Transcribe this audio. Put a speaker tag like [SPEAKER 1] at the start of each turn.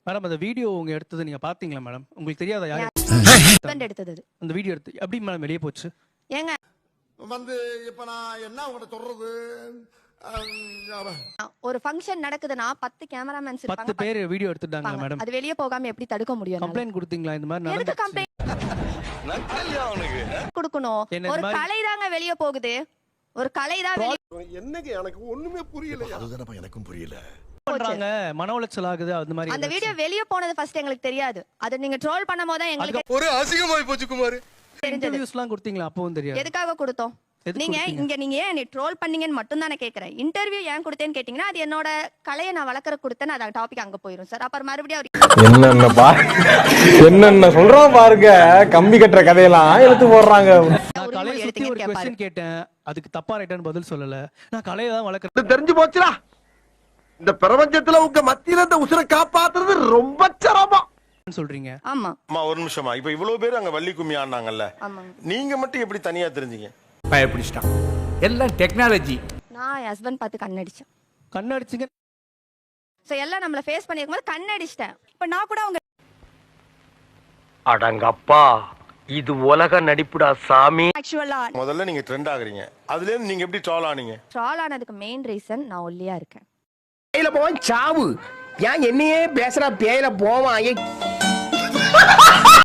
[SPEAKER 1] Madam அந்த video உங்க எடுத்தது நீங்க பாத்தீங்களா மேடம்? உங்களுக்கு தெரியாதா யார்
[SPEAKER 2] ஹஸ்பண்ட் எடுத்தது அது.
[SPEAKER 1] அந்த வீடியோ எடுத்து எப்படி மேடம் வெளியே போச்சு?
[SPEAKER 2] ஏங்க
[SPEAKER 3] வந்து இப்ப நான் என்ன உங்கள்ட்ட சொல்றது?
[SPEAKER 2] ஒரு ஃபங்க்ஷன் நடக்குதுன்னா 10 கேமராமேன்ஸ்
[SPEAKER 1] 10
[SPEAKER 2] இருப்பாங்க.
[SPEAKER 1] பேர் வீடியோ எடுத்துட்டாங்க மேடம்.
[SPEAKER 2] அது வெளிய போகாம எப்படி தடுக்க முடியும்?
[SPEAKER 1] கம்ப்ளைன்ட் கொடுத்தீங்களா இந்த மாதிரி
[SPEAKER 2] எதுக்கு
[SPEAKER 1] நடந்துச்சு?
[SPEAKER 2] கம்ப்ளைன்ட் கொடுக்கணும்? ஒரு கலை தாங்க வெளிய போகுது. ஒரு கலை தான் வெளிய
[SPEAKER 3] என்னங்க எனக்கு ஒண்ணுமே புரியல. அதுதானப்பா எனக்கும் புரியல.
[SPEAKER 1] பண்றாங்க மன உளைச்சல் ஆகுது அந்த மாதிரி.
[SPEAKER 2] அந்த வீடியோ வெளிய போனது ஃபர்ஸ்ட் எங்களுக்கு தெரியாது. அது நீங்க ட்ரோல் பண்ணும்போது தான் எங்களுக்கு
[SPEAKER 3] ஒரு அசிங்கமாய் போச்சு குமார்.
[SPEAKER 1] இன்டர்வியூஸ்லாம் கொடுத்தீங்களா? அப்பவும் தெரியாது.
[SPEAKER 2] எதுக்காக கொடுத்தோம்? நீங்க ஏன் நீ ட்ரோல் பண்ணீங்கன்னு மட்டும் தான் நான் கேக்குறேன். இன்டர்வியூ ஏன் கொடுத்தேன்னு கேட்டீங்கன்னா அது என்னோட கலையை நான் வளர்க்கற கொடுத்தேன். அது டாபிக் அங்க போயிடும் சார். அப்புறம் மறுபடியும்
[SPEAKER 4] என்னென்ன சொல்றோம் பாருங்க. கம்பி கட்டுற கதையெல்லாம் எடுத்து போடுறாங்க.
[SPEAKER 1] நான் கலையை சுத்தி ஒரு क्वेश्चन கேட்டேன். அதுக்கு தப்பா ரைட்டான்னு பதில் சொல்லல. நான் கலையை தான் வளர்க்கறேன்.
[SPEAKER 3] தெரிஞ்சு போச்சுடா. இந்த பிரபஞ்சத்துல உங்க மத்தியில இந்த உசுரை காப்பாத்துறது ரொம்ப சிரமம்
[SPEAKER 1] சொல்றீங்க.
[SPEAKER 2] ஆமா
[SPEAKER 5] அம்மா ஒரு நிமிஷமா. இப்ப இவ்வளவு பேர் அங்க வள்ளி கும்மி ஆடினாங்கல்ல, நீங்க மட்டும் எப்படி தனியா தெரிஞ்சீங்க?
[SPEAKER 6] பயப்பிடிச்சிட்டான். எல்லாம் டெக்னாலஜி.
[SPEAKER 2] நான் என் ஹஸ்பண்ட் பார்த்து கண்ணடிச்சேன்.
[SPEAKER 1] கண்ணடிச்சிங்க.
[SPEAKER 2] சோ எல்லாம் நம்மள ஃபேஸ் பண்ணிருக்கும்போது கண்ணடிச்சிட்டேன். இப்ப நான் கூட அவங்க
[SPEAKER 7] அடங்கப்பா இது உலக நடிப்புடா சாமி.
[SPEAKER 2] ஆக்சுவலா
[SPEAKER 5] முதல்ல நீங்க ட்ரெண்ட் ஆகுறீங்க. அதுல இருந்து நீங்க எப்படி ட்ரால் ஆனீங்க?
[SPEAKER 2] ட்ரால் ஆனதுக்கு மெயின் ரீசன் நான் ஒல்லியா இருக்கேன்.
[SPEAKER 7] பேயில போவான் சாவு. ஏன் என்னையே பேசுறா? பேயில போவான்.